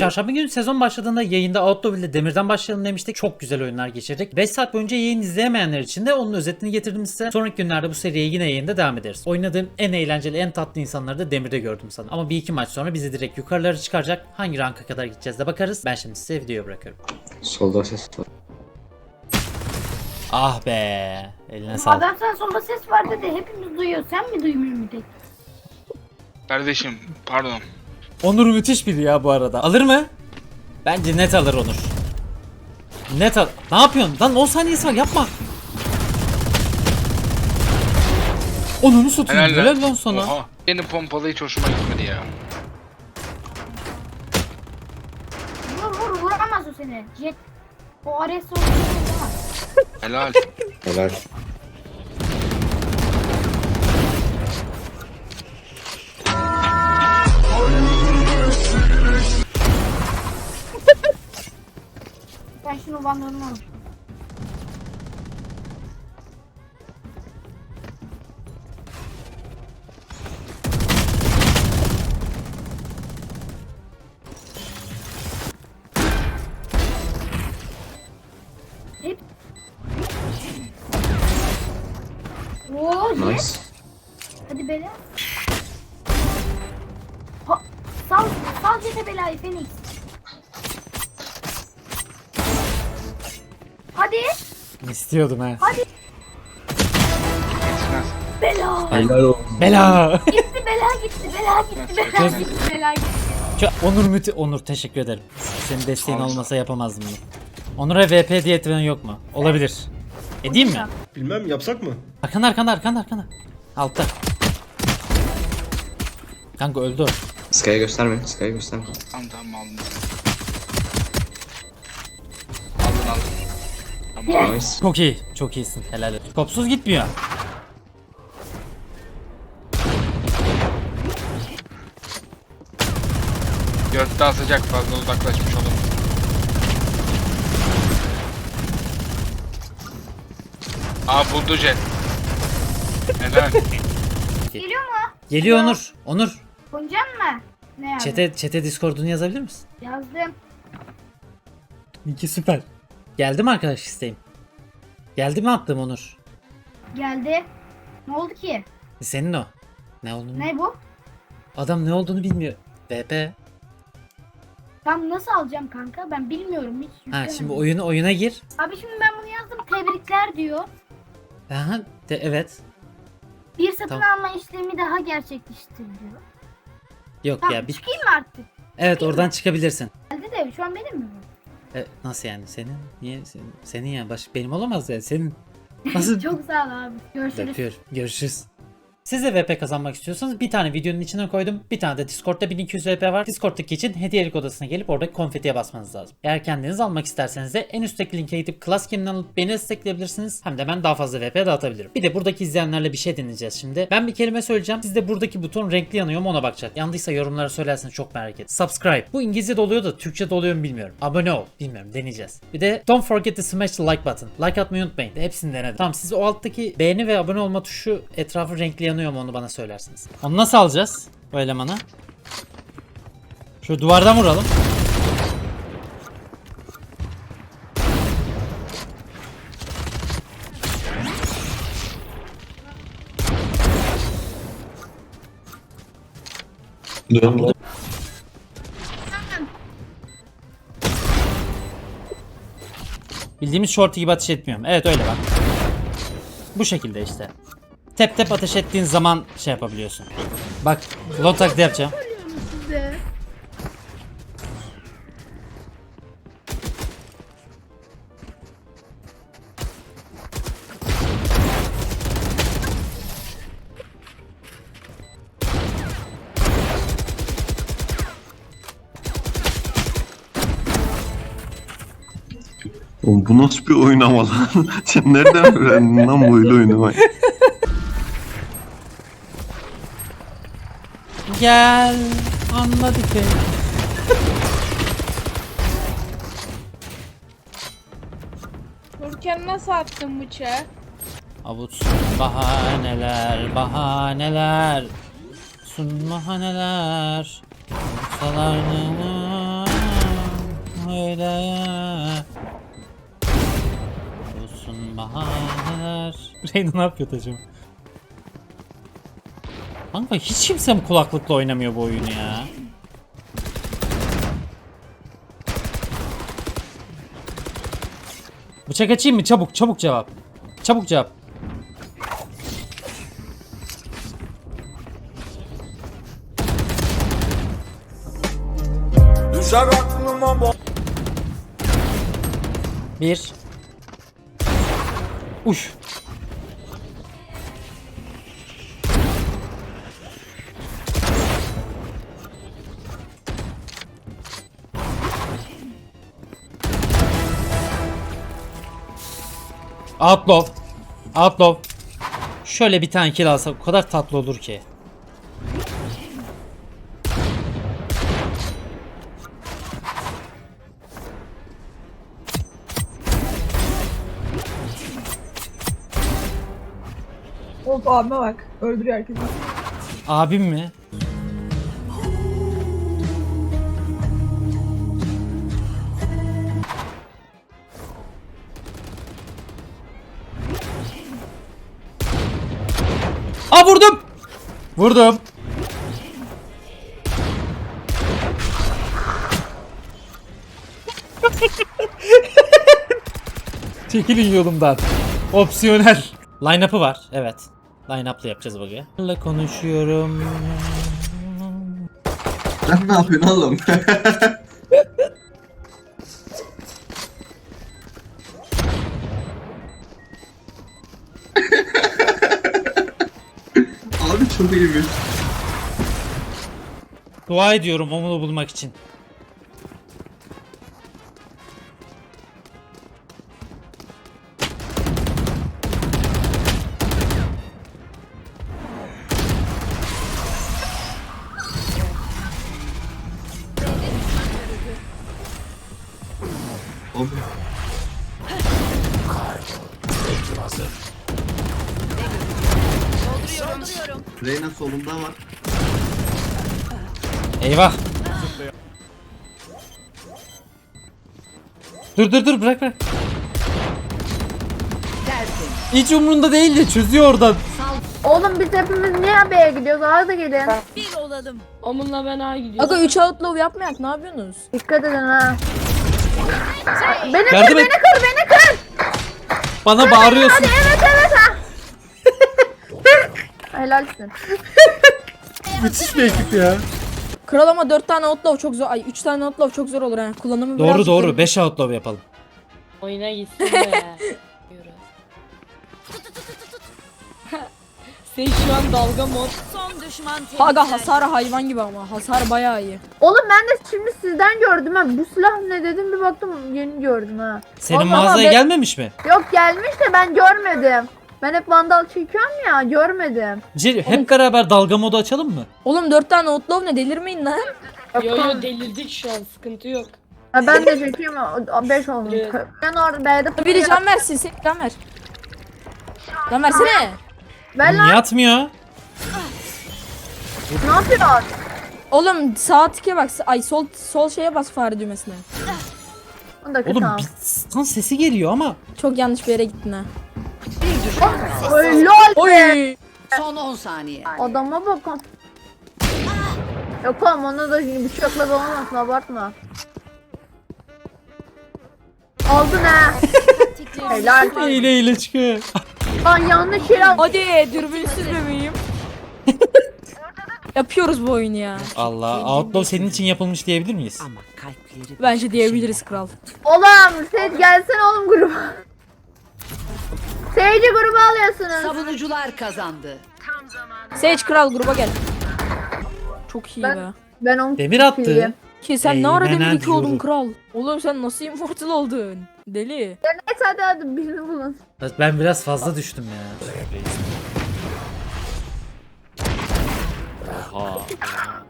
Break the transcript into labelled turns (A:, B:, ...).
A: Çarşamba günü sezon başladığında yayında Outlaw ile Demir'den başlayalım demiştik. Çok güzel oyunlar geçirdik. 5 saat boyunca yayın izleyemeyenler için de onun özetini getirdim size. Sonraki günlerde bu seriye yine yayında devam ederiz. Oynadığım en eğlenceli, en tatlı insanları da Demir'de gördüm sanırım. Ama bir iki maç sonra bizi direkt yukarılara çıkaracak. Hangi ranka kadar gideceğiz de bakarız. Ben şimdi size videoyu bırakıyorum.
B: Solda ses var.
A: Ah be. Eline sağlık.
C: Adam sen solda ses var dedi. Hepimiz duyuyor. Sen mi duymuyor mu tek?
D: Kardeşim pardon.
A: Onur müthiş biri ya bu arada. Alır mı? Bence net alır Onur. Net al. Ne yapıyorsun? Lan 10 saniyesi var, yapma. Onur'u satayım. Helal lan sana.
D: Oha. Yeni pompalı hiç hoşuma gitmedi ya.
C: Vur vuramaz o seni. Jet. O Ares oldu. Vuramaz.
D: Helal.
B: Helal.
C: Ben şunu vandalını alayım. Hep. Oo,
B: Nice.
C: yes. Hadi bela. Ha, sal Jet'e belayı Phoenix. Hadi.
A: İstiyordum he.
C: Hadi.
D: Yetişmez.
C: Bela.
B: Helal olsun.
A: Bela.
C: Gitti bela gitti bela gitti bela
A: Göz-
C: gitti bela gitti.
A: Onur teşekkür ederim. Senin desteğin olmasa yapamazdım bunu. Onur'a VP diye etmen yok mu? Olabilir. Edeyim mi?
E: Bilmem yapsak mı?
A: Arkanda. Altta. Kanka öldü o.
B: Sky'ı gösterme. Sky'ı gösterme.
D: Tamam aldım. Aldın. Tamam.
B: Nice.
A: Çok iyi. Çok iyisin. Helal olsun. Kopsuz gitmiyor.
D: Gökte asacak, fazla uzaklaşmış olur. Buldu jet. Helal.
C: Geliyor mu?
A: Geliyor Onur. Onur.
C: Koncan mı? Ne yazdın?
A: Chat'e Discord'unu yazabilir misin?
C: Yazdım.
A: İki süper. Geldi mi arkadaş isteğim? Geldi mi attığım Onur?
C: Geldi. Ne oldu ki?
A: Senin o. Ne olduğunu?
C: Ne bu?
A: Adam ne olduğunu bilmiyor. VP.
C: Tam nasıl alacağım kanka? Ben bilmiyorum hiç.
A: Ha
C: yüklemedim.
A: şimdi oyuna gir.
C: Abi şimdi ben bunu yazdım. Tebrikler diyor.
A: Aha, evet.
C: Bir satın
A: Tamam.
C: alma işlemi daha gerçekleştiriliyor.
A: Yok
C: Tamam
A: ya bir...
C: çıkayım mı artık?
A: Evet oradan çıkabilirsin.
C: Geldi de şu an benim mi bu?
A: Nasıl yani senin? Niye senin ya? Benim olamaz ya senin. Nasıl?
C: Çok sağ ol abi. Görüşürüz.
A: Öpüyorum. Görüşürüz. Siz de VP kazanmak istiyorsanız bir tane videonun içine koydum. Bir tane de Discord'da 1200 VP var. Discord'daki için hediyelik odasına gelip oradaki konfetiye basmanız lazım. Eğer kendiniz almak isterseniz de en üstteki linke gidip Class Game'den alıp beni destekleyebilirsiniz. Hem de ben daha fazla VP dağıtabilirim. Bir de buradaki izleyenlerle bir şey deneyeceğiz şimdi. Ben bir kelime söyleyeceğim. Siz de buradaki buton renkli yanıyor mu ona bakacak. Yandıysa yorumlara söylerseniz çok merak ettim. Subscribe. Bu İngilizce'de oluyor da Türkçe'de oluyor mu bilmiyorum. Abone ol. Bilmiyorum, deneyeceğiz. Bir de don't forget to smash the like button. Like atmayı unutmayın. Hepsini denedim. Tamam, siz o alttaki beğeni ve abone olma tuşu etrafı renkli yanıyor mu onu bana söylersiniz. Onu nasıl alacağız o elemanı? Şu duvardan vuralım.
B: Dön.
A: Bildiğimiz shorty gibi ateş etmiyorum. Evet öyle bak. Bu şekilde işte. Tep tep ateş ettiğin zaman şey yapabiliyorsun. Bak long taklidi yapacağım.
F: Oğlum bu nasıl bir oyun ama lan? Sen nereden öğrendin lan böyle oynamayı?
A: Gel anladık beni.
G: Nurken nasıl attın bıçağı?
A: Avuç bahaneler sun bahaneler. Olsalar söyle. Olsun bahaneler. Reyna ne yapıyor acaba? Kanka hiç kimse mi kulaklıkla oynamıyor bu oyunu ya? Bıçak açayım mı? Çabuk çabuk cevap. Çabuk cevap.
E: Düşer aklıma
A: Bir. Uş. Outlaw. Outlaw. Şöyle bir tane kill alsak o kadar tatlı olur ki.
G: Of abime bak. Öldürüyor herkesi.
A: Abim mi? Aa vurdum. Vurdum. Çekilin yolumdan. Opsiyonel. Line-up'ı var. Evet. Line-up'la yapacağız bugün. Konuşuyorum.
B: Sen ne yapıyorsun oğlum? Abi çok iyiymiş.
A: Dua ediyorum onu bulmak için.
B: Abi. Reyna solunda var.
A: Eyvah. Dur bırak. Hiç umrunda değil de çözüyor oradan.
C: Oğlum biz hepimiz niye B'ye gidiyoruz? Arada gelin.
H: Omun'la ben A gidiyorum.
G: Aga 3 outlaw yapmayak ne yapıyorsunuz?
C: Dikkat edin ha. Beni kır,
A: Yardım
C: beni
A: et.
C: kır, beni kır.
A: Bana bağırıyorsun.
C: Evet ha. Helalsin.
A: Müthiş bir ekip ya.
G: Kral ama 4 tane outlaw çok zor. Ay 3 tane outlaw çok zor olur ha. Kullanımı birazcık
A: Doğru.
G: garip.
A: 5 outlaw yapalım.
H: Oyuna gitsin be. Sen şu an dalga mod.
G: Aga hasarı hayvan gibi ama. Hasar bayağı iyi.
C: Oğlum ben de şimdi sizden gördüm ha. Bu silah ne dedim bir baktım yeni gördüm ha.
A: Senin
C: Vallahi
A: mağazaya
C: ben-
A: gelmemiş mi?
C: Yok gelmiş de ben görmedim. Ben hep vandal çekiyorum ya görmedim.
A: Hep beraber dalga modu açalım mı?
G: Oğlum 4 tane outlaw ne delirmeyin lan.
H: Yo yo delirdik şu an sıkıntı yok.
C: Ha, ben de çekiyorum 5 olmuş.
H: Evet.
C: Ben orada B'de
G: Biri can versin sen can ver. Can versene.
C: Ben lan
A: Niye atmıyor?
C: ne yapıyorsun?
G: Oğlum sağ tike bak. Ay sol şeye bas fare düğmesine.
C: Onu da
A: Oğlum
C: tamam.
A: bir kan sesi geliyor ama.
G: Çok yanlış bir yere gittin ha.
C: Oy lol.
G: Oy.
I: Son 10 saniye.
C: Adama bakın. Yok oğlum onu da bıçakla dolanmasın abartma. Aldın ha. Helal.
A: Hile çıkıyor.
C: Lan yanlış yere al.
G: Hadi dürbünsüz bebeğim. Yapıyoruz bu oyunu ya.
A: Allah. Outlaw senin için yapılmış diyebilir miyiz?
I: Ama kalpleri
G: Bence diyebiliriz kral.
C: Oğlum Sage gelsene oğlum gruba. Sage'i gruba alıyorsunuz.
I: savunucular kazandı.
G: Sage kral gruba gel. Çok iyi
C: Ben-
G: be.
C: Ben onu
A: Demir attı.
C: sikeyim.
G: Ki sen ne ara
A: Eymen
G: demir 2 oldun
A: diyorum.
G: kral? Oğlum sen nasıl immortal oldun? Deli.
C: Neyse hadi birini bulun.
A: Ben biraz fazla düştüm ya. Oha.